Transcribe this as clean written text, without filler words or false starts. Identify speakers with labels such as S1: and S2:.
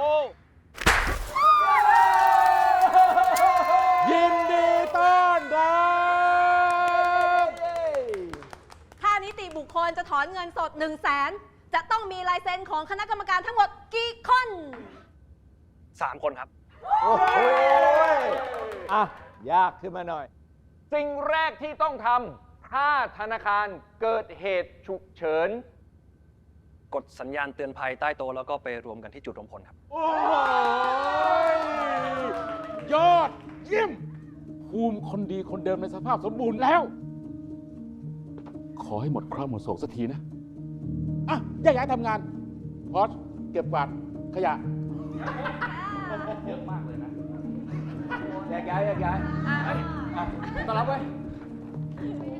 S1: ยินดีต้อนรับ
S2: ถ้านิติบุคคลจะถอนเงินสด 100,000จะต้องมีลายเซ็นของคณะกรรมการทั้งหมดกี่คน
S3: 3 คนครับ
S1: โอ้โหอ่ะ ยากขึ้นมาหน่อย
S4: สิ่งแรกที่ต้องทำถ้าธนาคารเกิดเหตุฉุกเฉิน
S3: กดสัญญาณเตือนภัยใต้โต๊ะแล้วก็ไปรวมกันที่จุดรวมพลครับ
S1: โอ้ยยอดเยี่ยม ภูมิคนดีคนเดิมในสภาพสมบูรณ์แล้ว ขอให้หมดเคราะห์หมดโศกสักทีนะ อ่ะแยกย้ายทำงาน พอสเก็บกวาดขยะ เยอะมากเลยนะ
S4: แยกย้ายต้อนรับไว้
S1: โอ้